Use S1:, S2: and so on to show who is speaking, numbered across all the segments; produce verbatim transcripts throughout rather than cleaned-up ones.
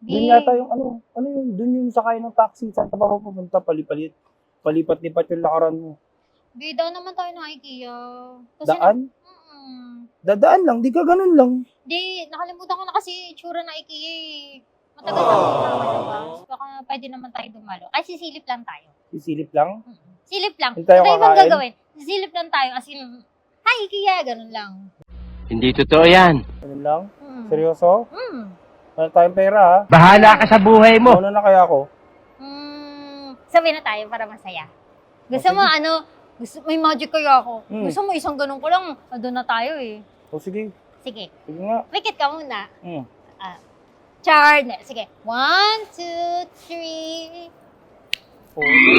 S1: Doon
S2: Di,
S1: yata yung ano, ano yung, doon yung sakay ng taxi. Saan ka ba pupunta? Palipalit. Palipat-lipat yung lakaran mo.
S2: di daw naman tayo ng IKEA. Kasi
S1: Daan?
S2: Na, mm,
S1: Dadaan lang, di ka ganun lang.
S2: di, nakalimutan ko na kasi itsura ng IKEA eh. Matagal na ako nakalabas. Baka pwede naman tayo dumalo. Ay, sisilip lang tayo.
S1: Sisilip lang.
S2: Mm. Silip lang.
S1: Hindi tayo
S2: Wala ibang
S1: kakain?
S2: gagawin. Sisilip lang tayo as in, hi IKEA, ganun lang.
S3: Hindi totoo yan.
S1: Ganun lang.
S2: Mm.
S1: Seryoso?
S2: Mm.
S1: Wala tayong pera ha.
S3: Bahala ka sa buhay mo.
S1: Mauna na kaya ako?
S2: Mm, sabi na tayo para masaya. Gusto
S1: Okay.
S2: mo ano, gusto, may magic kaya ako.
S1: Mm.
S2: Gusto mo isang ganun ko lang, doon na tayo eh.
S1: O sige,
S2: Sige,
S1: sige nga.
S2: wikit ka muna.
S1: Mm.
S2: Ah, char, sige. One, two, three.
S1: Oh,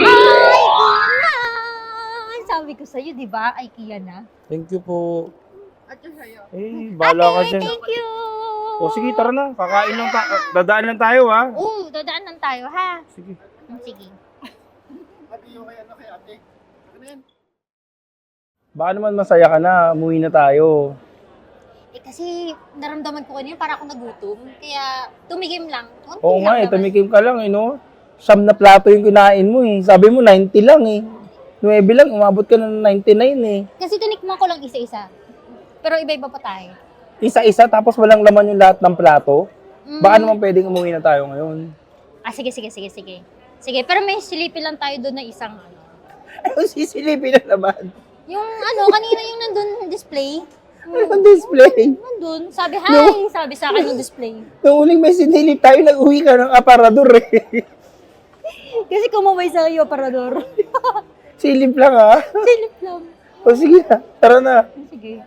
S2: Ay, sabi ko sa'yo, di ba? IKEA na.
S1: thank you po.
S4: At yung sa'yo.
S1: Eh, bahala ka
S2: Ate,
S1: dyan.
S2: thank you.
S1: O sige, tara na. Kakain lang tayo. Dadaan lang tayo ha.
S2: Oo, dadaan lang tayo, ha?
S1: Sige.
S2: Mm, Sige.
S4: Ate yung kay ano kay ate. Ano yan?
S1: Baka naman masaya ka na. Umuwi na tayo.
S2: Eh, kasi naramdaman ko kanina para ako nagutom. Kaya tumigim lang. Konti
S1: Oo nga
S2: lang
S1: eh,
S2: naman.
S1: tumikim ka lang eh, no? Siyam na plato yung kinain mo eh. Sabi mo, ninety lang eh. nuwebe lang, umabot ka ng ninety-nine eh.
S2: Kasi tinikman ko lang isa-isa. Pero iba-iba pa tayo.
S1: Isa-isa, tapos walang laman yung lahat ng plato.
S2: Mm.
S1: Baka naman pwedeng umuwi na tayo ngayon.
S2: Ah, sige, sige, sige, sige. Sige, pero may silipin lang tayo doon na isang ano.
S1: Ay, sisilipin na naman.
S2: Yung ano, kanina yung nandun display.
S1: Anong display?
S2: Nandun. Sabi, hi! Sabi sa akin yung display.
S1: Nung uling may sinilip tayo, nag-uwi ka ng aparador eh.
S2: Kasi kumaway sa iyo, parador.
S1: Silip lang ha.
S2: Silip lang.
S1: O sige na, tara na.
S2: Sige.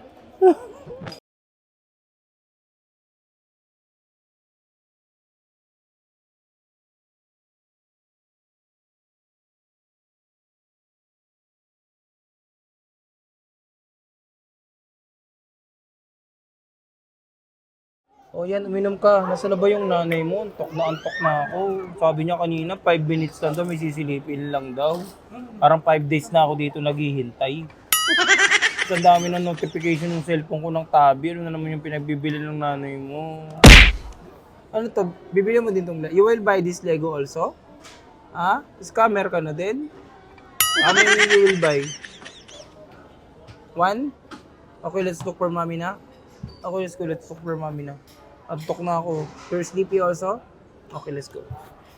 S1: O yan, uminom ka. Nasa na ba yung nanay mo? Antok na antok na ako. Sabi niya kanina, five minutes lang daw, may sisilipin lang daw. Parang five days na ako dito naghihintay. Ang dami ng notification ng cellphone ko ng tabi. Ano na naman yung pinagbibili ng nanay mo? Ano to? Bibili mo din tong... You will buy this Lego also? Ha? Scammer ka na din? How many you will buy? One? Okay, let's look for mommy na. Okay, let's go. Let's look for mommy na. Antok na ako. You're sleepy also? Okay, let's go.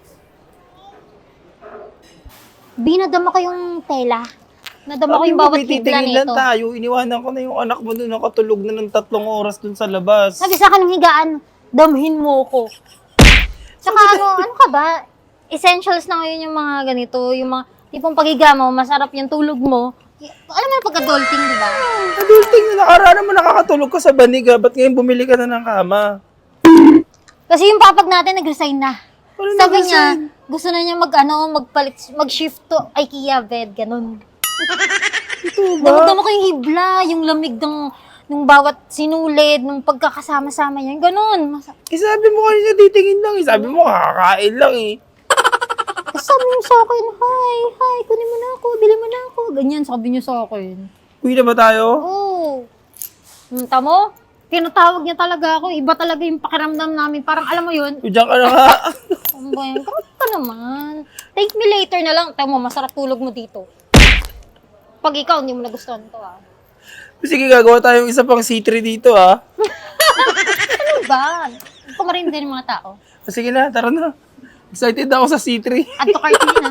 S2: Binadama ko yung tela. Nadama ko
S1: Sabi
S2: yung
S1: mo,
S2: bawat
S1: may
S2: kibla
S1: titingin lang
S2: nito.
S1: tayo. Iniwanan ko na yung anak mo doon. Nakatulog na ng tatlong oras doon sa labas.
S2: Sabi sa akin ng higaan, damhin mo ko. Tsaka ano, ano ka ba? Essentials na ngayon yung mga ganito. Yung mga tipong pagiga mo, masarap yung tulog mo. Alam mo yung pagka-adulting, di ba?
S1: Adulting na nakaraan mo nakakatulog ka sa baniga. Ba't ngayon bumili ka na ng kama?
S2: Kasi yung papag natin nag-resign na.
S1: Ano
S2: Sabi
S1: nag-resign?
S2: niya, gusto na niya mag, ano, magpalit, mag-shift to IKEA bed, ganun.
S1: Ito ba?
S2: Damdama ko yung hibla, yung lamig ng, ng bawat sinulid, ng pagkakasama-sama niya, ganun. Mas-
S1: Eh, sabi mo kanina titingin lang eh. Sabi mo kakakain lang eh.
S2: Kasi sabi niya sa akin, hi, hi, kunin mo na ako, bili mo na ako. Ganyan, sabi niya sa akin.
S1: Uwi na ba tayo?
S2: Oo. Hmm, tamo? Tinatawag niya talaga ako. Iba talaga yung pakiramdam namin. Parang alam mo yun,
S1: Diyan ka na nga.
S2: ano ba yan? Kamusta ka naman? Take me later na lang. Tamo, masarap tulog mo dito. Pag ikaw, hindi mo nagustuhan to ah.
S1: Sige, gagawa tayong isa pang C three dito ah.
S2: Ano ba? Pumarin din yung mga tao.
S1: Sige na, tara na. Excited ako sa C three.
S2: Add to cart yun ah.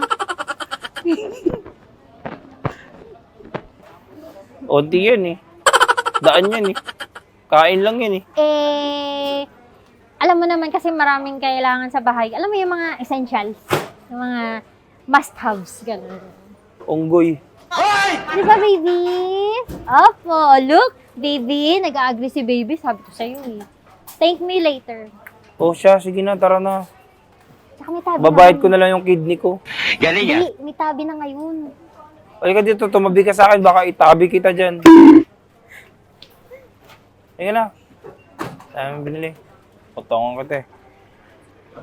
S1: Onti yan eh. Daan yan eh. Kain lang yan eh.
S2: Eh, alam mo naman kasi maraming kailangan sa bahay. Alam mo yung mga essentials. Yung mga must-haves. Ganun.
S1: Unggoy.
S2: Di ba, baby? Opo, look. Baby, nag-agree si baby. Sabi ko sa'yo eh. Thank me later.
S1: O siya, sige na, tara na.
S2: Tsaka may tabi
S1: Babayad
S2: na
S1: ko na lang yung kidney ko.
S3: Galing yan.
S2: Hindi, may tabi na ngayon.
S1: Halika dito, tumabi ka sa akin, baka itabi kita dyan. Halika na. Tayo mo binili. Potongan ka te.